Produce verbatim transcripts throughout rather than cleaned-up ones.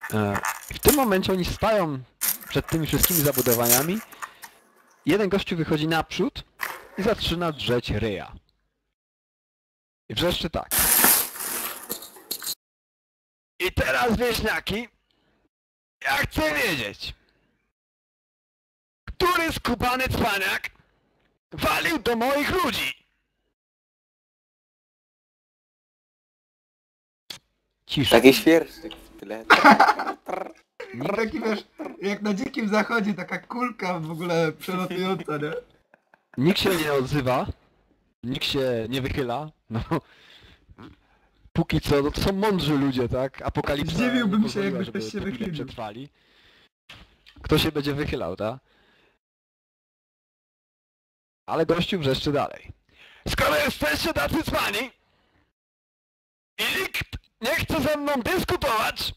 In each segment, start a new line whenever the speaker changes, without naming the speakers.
E, w tym momencie oni stają przed tymi wszystkimi zabudowaniami. Jeden gościu wychodzi naprzód i zaczyna drzeć ryja. I wrzeszczy tak. I teraz wieśniaki, ja chcę wiedzieć, który skubany cwaniak walił do moich ludzi? Cisza.
Taki świerszczyk w tyle.
I taki wiesz, jak na dzikim zachodzie, taka kulka w ogóle przelatująca, nie?
Nikt się nie odzywa, nikt się nie wychyla, no. Póki co, no to są mądrzy ludzie, tak? Apokalipsa
Zdziwiłbym
nie
się,
pozwoliła,
jakby
żeby
ktoś się
po chwilę
wychylił.
przetrwali. Kto się będzie wychylał, tak? Ale gościu wrzeszczy dalej. Skoro jesteście tacy cwani i nikt nie chce ze mną dyskutować,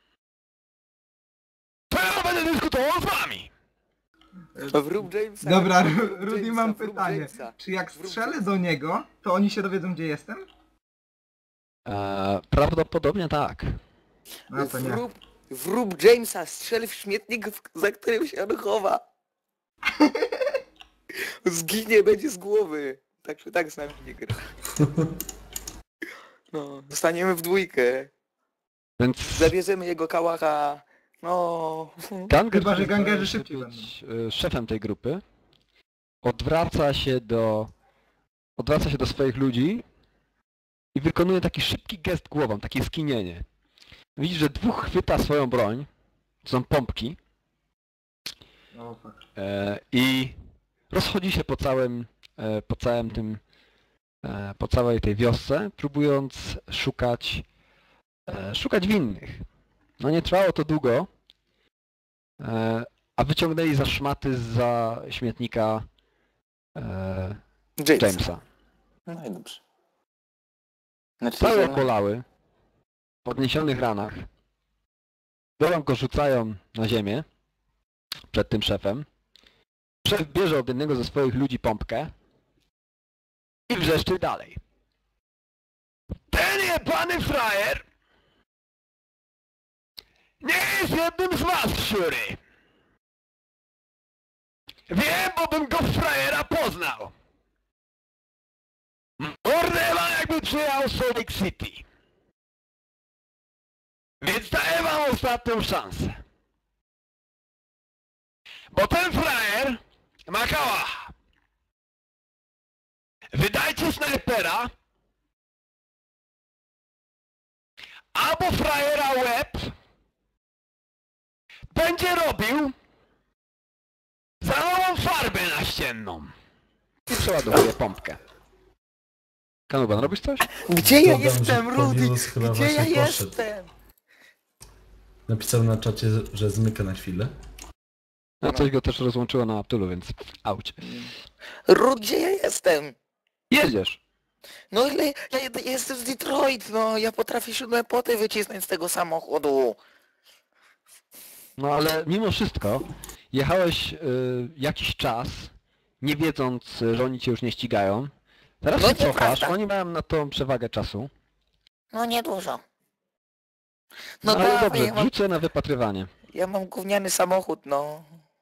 to ja będę dyskutował z wami!
Wrób Jamesa.
Dobra,
wrób
Ru- Rudy,
Jamesa,
mam
wrób
pytanie.
Jamesa.
Czy jak
Wrób
strzelę do niego, to oni się dowiedzą, gdzie jestem?
Eee, prawdopodobnie tak.
No to nie.
Wrób, wrób Jamesa, strzel w śmietnik, w- za którym się on chowa. Zginie, będzie z głowy. Tak czy tak z nami nie gra. No, zostaniemy w dwójkę.
Więc
Zabierzemy jego kałacha. No.
Ganger,
Chyba, że
który
gangerzy
zdaje się
szybciej
być e, szefem tej grupy, odwraca się do odwraca się do swoich ludzi i wykonuje taki szybki gest głową, takie skinienie. Widzisz, że dwóch chwyta swoją broń, to są pompki,
O, fuck.
e, i rozchodzi się po całym, e, po całym tym, e, po całej tej wiosce, próbując szukać, e, szukać winnych. No nie trwało to długo, e, a wyciągnęli za szmaty za śmietnika e,
Jamesa.
Jamesa.
No i dobrze. Znaczy,
Całe
że-
okolały, w podniesionych ranach, biorą go, rzucają na ziemię przed tym szefem. Szef bierze od jednego ze swoich ludzi pompkę i wrzeszczy dalej. Ten jebany frajer nie jest jednym z was, siury! Wiem, bo bym go w frajera poznał! Mordę wam, jakby przyjechał z Salt Lake City. Więc daję wam ostatnią szansę. Bo ten frajer ma kałacha. Wydajcie snajpera, albo frajera łeb będzie robił za nową farbę naścienną. I przeładowuje pompkę. Kanuban, robisz coś?
Gdzie ja
Dodam, że
jestem, Rudy?
Paulus chyba
Gdzie ja
właśnie poszedł.
jestem?
Napisał na czacie, że zmyka na chwilę.
No coś go też rozłączyło na Aptulu, więc auć.
Rudy, gdzie ja jestem?
Jedziesz.
No ile, ja, ja jestem z Detroit, no ja potrafię siódme poty wycisnąć z tego samochodu.
No ale mimo wszystko jechałeś y, jakiś czas, nie wiedząc, że oni cię już nie ścigają. Teraz
No
się cofasz,
nieprawda.
oni mają na tą przewagę czasu.
No niedużo.
No,
No
ale
dawaj,
dobrze,
ja mam,
rzucę na wypatrywanie.
ja mam gówniany samochód, no.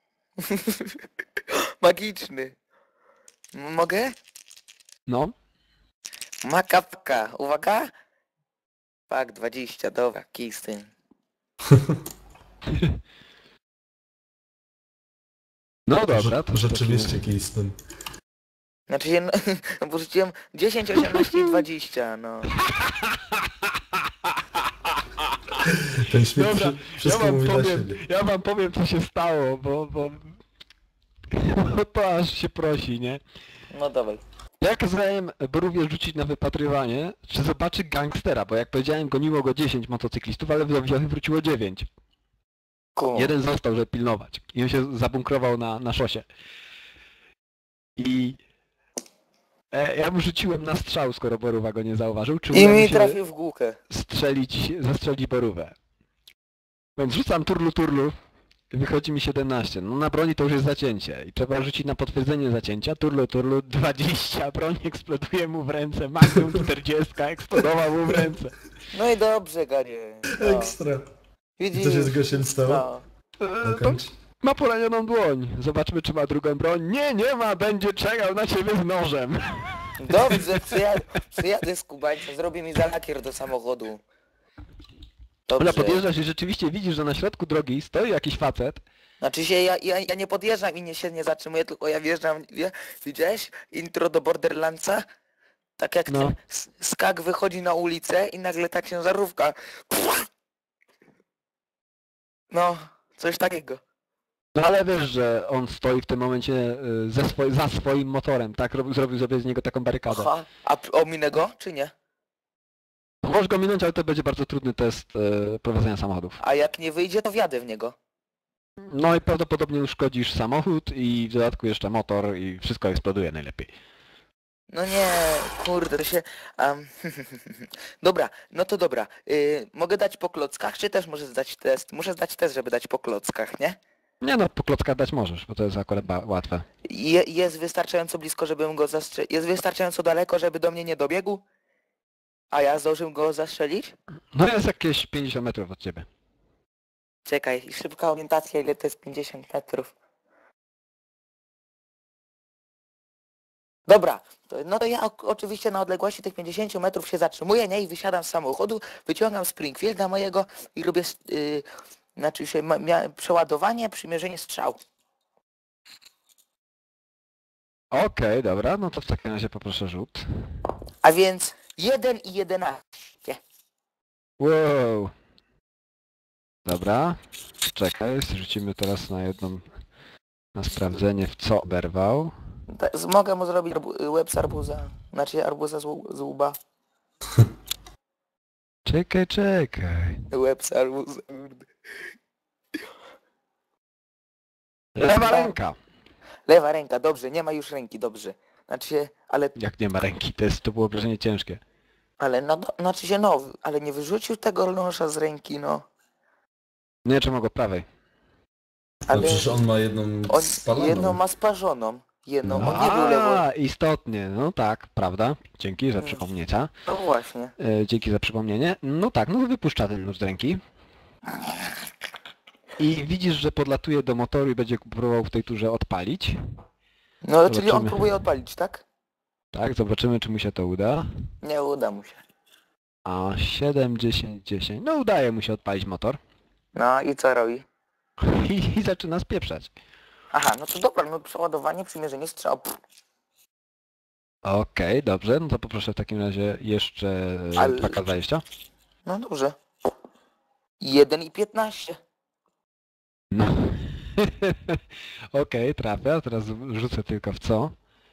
Magiczny. M- Mogę?
No.
Makapka, uwaga. Pak, dwadzieścia, dobra, kij z tym.
No dobra,
Rze-
to w
Rzeczywiście
takim-
Keystone.
Znaczy się, no, bo rzuciłem dziesięć, osiemnaście i dwadzieścia, no.
Ten śmiech
Dobra,
wszy-
ja
wszystko
wam
mówi dla
powiem,
siebie.
ja wam powiem co się stało, bo, bo, bo to aż się prosi, nie?
No dawaj.
Ja kazałem Borówie rzucić na wypatrywanie, czy zobaczy gangstera, bo jak powiedziałem goniło go dziesięć motocyklistów, ale w Wiowy wróciło dziewięć.
Ku.
Jeden został, żeby pilnować. I on się zabunkrował na, na szosie. I e, ja mu rzuciłem na strzał, skoro Borówa go nie zauważył. Czy
I
uda
mi
mi się
trafił w główkę.
strzelić, zastrzelić Borówę. Więc rzucam turlu turlu i wychodzi mi siedemnaście. No na broni to już jest zacięcie. I trzeba rzucić na potwierdzenie zacięcia. Turlu turlu dwadzieścia. Broń eksploduje mu w ręce. Magnum czterdzieści eksplodował mu w ręce.
No i dobrze, Ganie. No.
Ekstra. I
Widzisz?
co się z gościem stało?
No.
E, to
Dokończ.
ma poranioną dłoń. Zobaczmy, czy ma drugą broń. Nie, nie ma, będzie czekał na ciebie z nożem.
Dobrze, przyjadę, przyjadę z Kubańca, zrobię mi zalakier do samochodu.
Ona
Dobrze.
podjeżdżasz i rzeczywiście widzisz, że na środku drogi stoi jakiś facet.
Znaczy się ja, ja, ja nie podjeżdżam i nie się nie zatrzymuję, tylko ja wjeżdżam, wie, widziałeś? Intro do Borderlandsa? Tak jak
No.
ten s- skak wychodzi na ulicę i nagle ta ciężarówka. No, coś takiego.
No ale wiesz, że on stoi w tym momencie y, ze swoi, za swoim motorem, tak? Robił, zrobił sobie z niego taką barykadę.
Aha, a p- ominę go, czy nie?
Możesz go minąć, ale to będzie bardzo trudny test y, prowadzenia samochodów.
A jak nie wyjdzie, to wjadę w niego.
No i prawdopodobnie uszkodzisz samochód i w dodatku jeszcze motor i wszystko eksploduje najlepiej.
No nie, kurde, to się... Um, dobra, no to dobra. Y, mogę dać po klockach, czy też muszę zdać test? Muszę zdać test, żeby dać po klockach, nie?
Nie no, po klockach dać możesz, bo to jest akurat ba- łatwe.
Je, jest wystarczająco blisko, żebym go zastrzelił. Jest wystarczająco daleko, żeby do mnie nie dobiegł? A ja zdążył go zastrzelić?
No jest jakieś pięćdziesiąt metrów od ciebie.
Czekaj, szybka orientacja, ile to jest pięćdziesiąt metrów. Dobra, to, no to ja o, oczywiście na odległości tych pięćdziesięciu metrów się zatrzymuję, nie? I wysiadam z samochodu, wyciągam Springfielda mojego i robię, yy, znaczy się, ma, mia, przeładowanie, przymierzenie strzał.
Okej, dobra, no to w takim razie poproszę rzut.
A więc jeden i jedenaście.
Wow. Dobra, czekaj, rzucimy teraz na jedną, na sprawdzenie w co oberwał.
Ta- z- Mogę mu zrobić arbu- łeb z arbuza, znaczy arbuza z, łu- z łba.
Czekaj, czekaj.
Łeb z arbuza, kurde.
Lewa ręka.
Lewa ręka, dobrze, nie ma już ręki, dobrze. Znaczy się, ale,
Jak nie ma ręki, to, jest, to było obrażenie ciężkie.
ale no, do- znaczy się no, ale nie wyrzucił tego noża z ręki, no.
Nie, czy mogę prawej.
No
Ale
przecież on ma jedną
on
spaloną.
jedną ma sparzoną, jedną,
No.
on nie był lewo.
A, istotnie, no tak, prawda. Dzięki za
Mm.
przypomnienia.
No właśnie.
E, dzięki za przypomnienie. No tak, no wypuszcza ten nóż z ręki. I widzisz, że podlatuje do motoru i będzie próbował w tej turze odpalić.
No czyli on
Zobaczymy.
próbuje odpalić, tak?
Tak, zobaczymy, czy mu się to uda.
Nie uda mu się.
A siedem, dziesięć, dziesięć. No udaje mu się odpalić motor.
No i co robi?
I, i zaczyna spieprzać.
Aha, no to dobra, no przeładowanie, przymierzenie strzał. Pff,
Okej, dobrze, no to poproszę w takim razie jeszcze
Ale-
dwa K dwadzieścia.
no dobrze. jeden i piętnaście.
No. Okej, trafia, teraz rzucę tylko w co.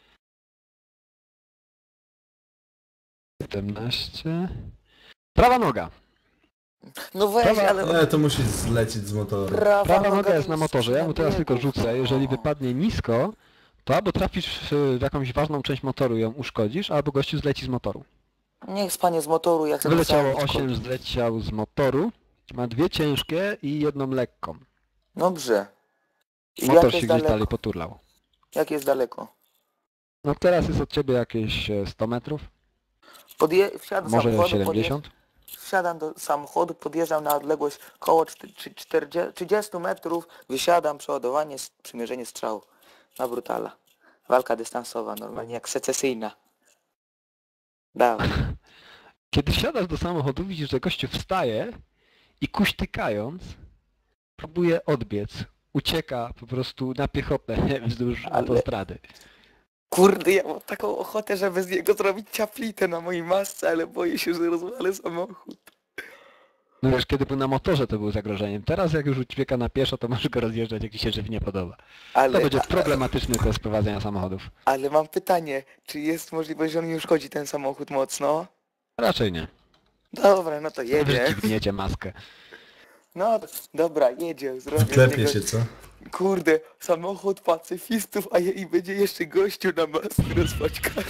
siedemnaście. Prawa noga.
No weź,
Prawa-
ale...
Nie, to musi zlecieć z motoru.
Prawa,
Prawa
noga
noga
to
jest na motorze, ja mu teraz tylko
biegów,
rzucę. Jeżeli
no.
wypadnie nisko, to albo trafisz w w jakąś ważną część motoru i ją uszkodzisz, albo gościu zleci z motoru.
Niech spanie z motoru, jak sobie
Wyleciało
sam
osiem, zleciał z motoru. Ma dwie ciężkie i jedną lekką.
Dobrze. I
Motor
jak
się
jest
gdzieś
daleko?
dalej poturlał.
Jak jest daleko?
No teraz jest od ciebie jakieś e, sto metrów,
Podje... Wsiadam do
może
samochodu,
siedemdziesiąt.
podje... Wsiadam do samochodu, podjeżdżam na odległość koło czterdziestu trzydziestu metrów, wysiadam, przeładowanie, s- przymierzenie strzału. Na brutala. Walka dystansowa, normalnie jak secesyjna. Dawaj.
Kiedy wsiadasz do samochodu, widzisz, że gościu wstaje i kuśtykając próbuje odbiec. Ucieka po prostu na piechotę wzdłuż
Ale-
autostrady.
Kurde, ja mam taką ochotę, żeby z niego zrobić ciaplitę na mojej masce, ale boję się, że rozwalę samochód.
No wiesz, kiedy był na motorze, to był zagrożeniem. Teraz jak już ucieka na pieszo, to możesz go rozjeżdżać, jak ci się żywnie podoba. To
Ale,
będzie problematyczny test prowadzenia samochodów.
ale mam pytanie, czy jest możliwość, że on mi uszkodzi ten samochód mocno?
Raczej nie.
Dobra, no to
Wy
jedzie.
dźwigniecie maskę.
No dobra, jedzie, zrobię z
Klepie
niego...
się, co?
Kurde, samochód pacyfistów, a je, i będzie jeszcze gościu na masce rozpaćkany.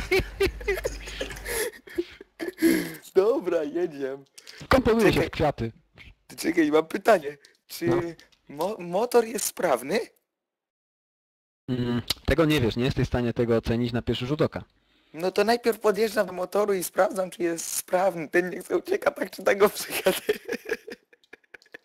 Dobra, jedziemy.
Komponuje się
Czekaj.
w kwiaty.
Ty czekaj, mam pytanie. Czy
No.
mo motor jest sprawny?
Mm, tego nie wiesz, nie jesteś w stanie tego ocenić na pierwszy rzut oka.
No to najpierw podjeżdżam do motoru i sprawdzam, czy jest sprawny. Ten nie chce ucieka, tak czy tak go przyjadę.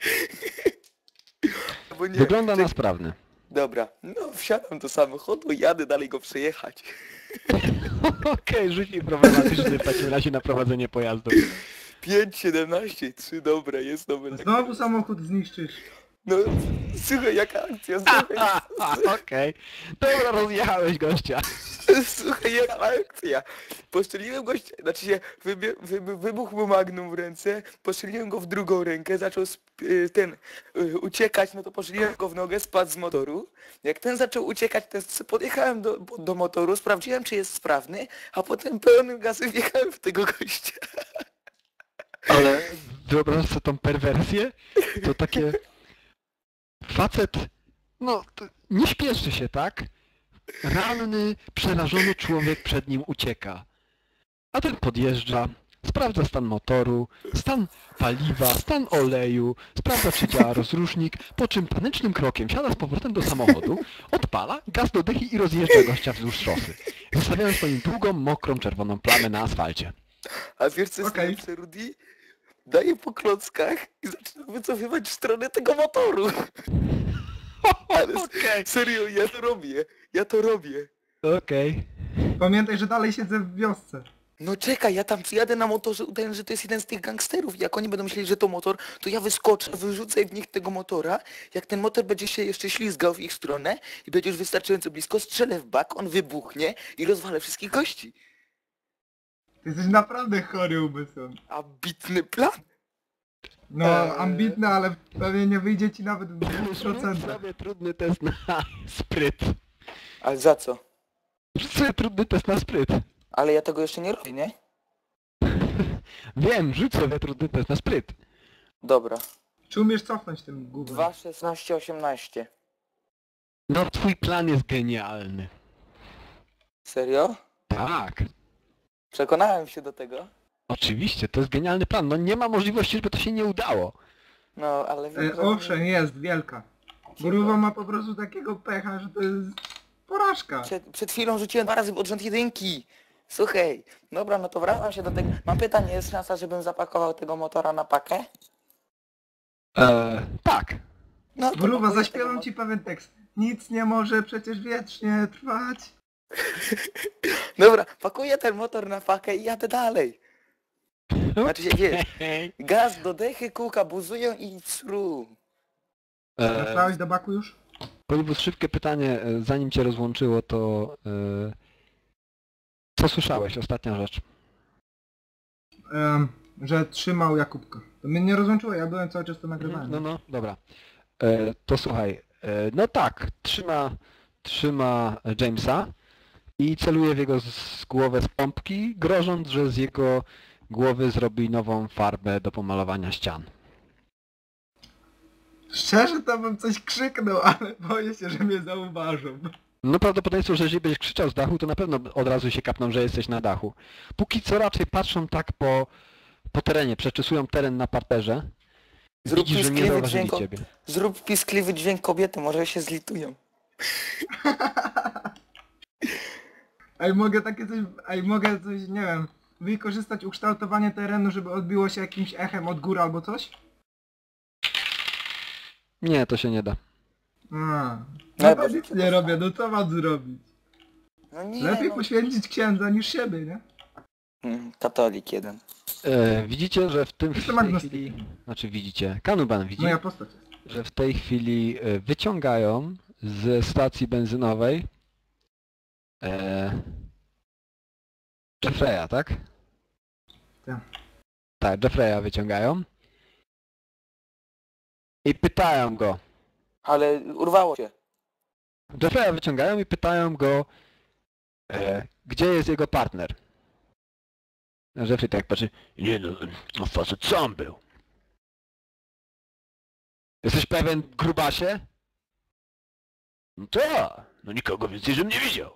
Bo nie,
Wygląda
ty-
na sprawny.
Dobra, no wsiadam do samochodu i jadę dalej go przejechać.
Okej, rzuć mi problematyczny w takim razie na prowadzenie pojazdu.
pięć, siedemnaście, trzy, dobra, jest dobra.
Znowu samochód zniszczysz.
No, słuchaj, jaka akcja, słuchaj,
A, a, Okej. Dobra, rozjechałeś gościa.
słuchaj, jaka akcja. Postrzeliłem gościa, znaczy się, wybie, wybu- wybuchł mu magnum w ręce, postrzeliłem go w drugą rękę, zaczął sp- y, ten, y, uciekać, no to postrzeliłem go w nogę, spadł z motoru. Jak ten zaczął uciekać, to s- podjechałem do, do motoru, sprawdziłem, czy jest sprawny, a potem pełnym gazem wjechałem w tego gościa.
Ale wyobraź sobie tą perwersję, to takie... Facet, no, to nie śpieszy się, tak? Ranny, przerażony człowiek przed nim ucieka. A ten podjeżdża, sprawdza stan motoru, stan paliwa, stan oleju, sprawdza czy działa rozrusznik, po czym panicznym krokiem siada z powrotem do samochodu, odpala, gaz do dychy i rozjeżdża gościa wzdłuż szosy, zostawiając po nim długą, mokrą, czerwoną plamę na asfalcie.
A wiesz co jest
Okej.
najlepsze, Rudy? Daję po klockach i zaczynam wycofywać w stronę tego motoru. Ale s-
Okej.
serio, ja to robię, ja to robię.
Okej.
Pamiętaj, że dalej siedzę w wiosce.
No czekaj, ja tam jadę na motorze, udaję, że to jest jeden z tych gangsterów. Jak oni będą myśleli, że to motor, to ja wyskoczę, wyrzucę w nich tego motora. Jak ten motor będzie się jeszcze ślizgał w ich stronę i będzie już wystarczająco blisko, strzelę w bak, on wybuchnie i rozwalę wszystkich gości.
Ty jesteś naprawdę chory umysłem.
Ambitny plan.
No,
Eee.
ambitny, ale pewnie nie wyjdzie ci nawet w dwóch
Zrób
procentach.
sobie trudny test na spryt.
Ale za co?
Zrób sobie trudny test na spryt.
Ale ja tego jeszcze nie robię, nie?
Wiem, rzuć sobie trudny test na spryt.
Dobra.
Czy umiesz cofnąć tym gubem?
dwa, szesnaście, osiemnaście.
No twój plan jest genialny.
Serio?
Tak.
Przekonałem się do tego.
Oczywiście, to jest genialny plan. No nie ma możliwości, żeby to się nie udało.
No, ale wiem,
E,
że-
owszem, jest, wielka. Gruwa ma po prostu takiego pecha, że to jest porażka.
Przed, przed chwilą rzuciłem dwa razy od rząd jedynki. Słuchaj, dobra, no to wracam się do tego. Mam pytanie, jest szansa, żebym zapakował tego motora na pakę?
Eee, tak.
No to
Gruwa,
pakuję
zaśpiewam
tego
ci pewien tekst. Nic nie może przecież wiecznie trwać.
mo- Dobra, pakuję ten motor na pakę i jadę dalej. Znaczy się, wiesz,
Eee,
gaz do dechy, kółka buzują i sru.
Trafiałeś do baku już?
Polibus, szybkie pytanie, e, zanim cię rozłączyło, to... E, co słyszałeś? Ostatnia rzecz.
Em, że trzymał Jakubka. To mnie nie rozłączyło, ja byłem cały czas to nagrywałem.
No, no, dobra. E, to słuchaj, e, no tak, trzyma, trzyma Jamesa i celuje w jego z, głowę z pompki, grożąc, że z jego głowy zrobi nową farbę do pomalowania ścian.
Szczerze to bym coś krzyknął, ale boję się, że mnie zauważą.
No prawdopodobieństwo, że jeżeli będziesz krzyczał z dachu, to na pewno od razu się kapną, że jesteś na dachu. Póki co raczej patrzą tak po, po terenie, przeczesują teren na parterze.
Zrób
Widzisz, że nie
piskliwy
zauważyli
dźwięk,
ciebie.
zrób piskliwy dźwięk kobiety, może się zlitują.
Ej, mogę takie coś, ej, mogę coś, nie wiem, wykorzystać ukształtowanie terenu, żeby odbiło się jakimś echem od góry albo coś?
Nie, to się nie da.
A,
No,
no
bo
to
się
nic nie robię, no co mam zrobić?
No nie,
Lepiej
no.
poświęcić księdza niż siebie, nie?
Mm, Katolik jeden.
E, widzicie, że w tym w
Jestem
tej
agnostykiem.
chwili... Znaczy widzicie, Kanuban widzi,
Moja postać jest.
że w tej chwili e, wyciągają ze stacji benzynowej e, Jeffreya, tak?
Tak.
Tak, Jeffreya wyciągają. I pytają go.
Ale urwało się.
Jeffreya wyciągają i pytają go, e, gdzie jest jego partner. A Jeffrey tak patrzy, nie no, no facet sam był. Jesteś pewien, grubasie? No tak, no nikogo więcej żebym nie widział.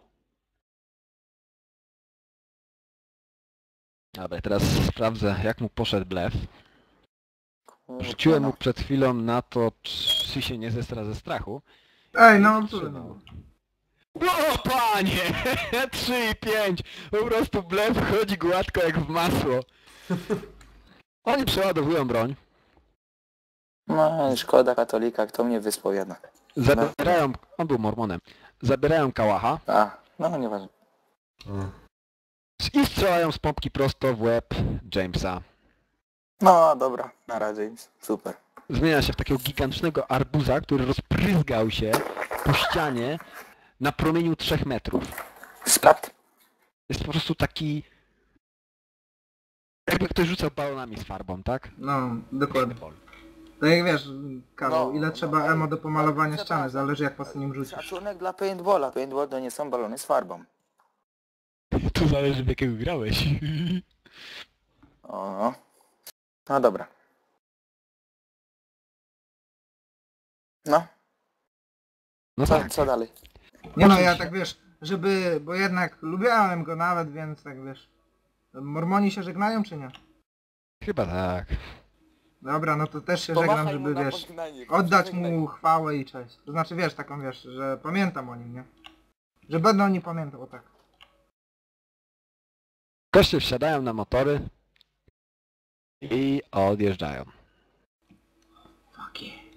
Dobra, teraz sprawdzę, jak mu poszedł blef. Rzuciłem mu przed chwilą na to, czy się nie zestra ze strachu.
Ej, no,
Trzymał.
absolutnie.
O panie! trzy i pięć! Po prostu blef chodzi gładko jak w masło. Oni przeładowują broń.
No, szkoda katolika, kto mnie wyspowiada.
Zabierają, on był mormonem, zabierają kałacha
A, no nieważne.
O.
i strzelają z pompki prosto w łeb Jamesa.
No dobra, na razie James. Super.
Zmienia się w takiego gigantycznego arbuza, który rozpryzgał się po ścianie na promieniu trzech metrów.
Splat.
Jest po prostu taki... Jakby ktoś rzucał balonami z farbą, tak?
No, dokładnie. Tak jak wiesz, Karol,
No,
ile
no,
trzeba
no,
emo do pomalowania
trzeba-
ściany, zależy jak po nim rzucisz.
Szacunek dla paintballa. Paintball to nie są balony z farbą.
To zależy w jakiego grałeś.
O, no. No dobra. No,
No
co,
tak.
co dalej?
Nie no, ja
Oczywiście.
tak wiesz, żeby, bo jednak lubiałem go nawet, więc tak wiesz. Mormoni się żegnają czy nie?
Chyba tak.
Dobra, no to też się żegnam,
Pomachaj mu
żeby
na
wiesz,
pożegnanie,
oddać
pożegnaj.
mu chwałę i cześć. To znaczy wiesz, taką wiesz, że pamiętam o nim, nie? Że będę o nim pamiętał, o tak.
Goście wsiadają na motory i odjeżdżają.
Fuck yeah.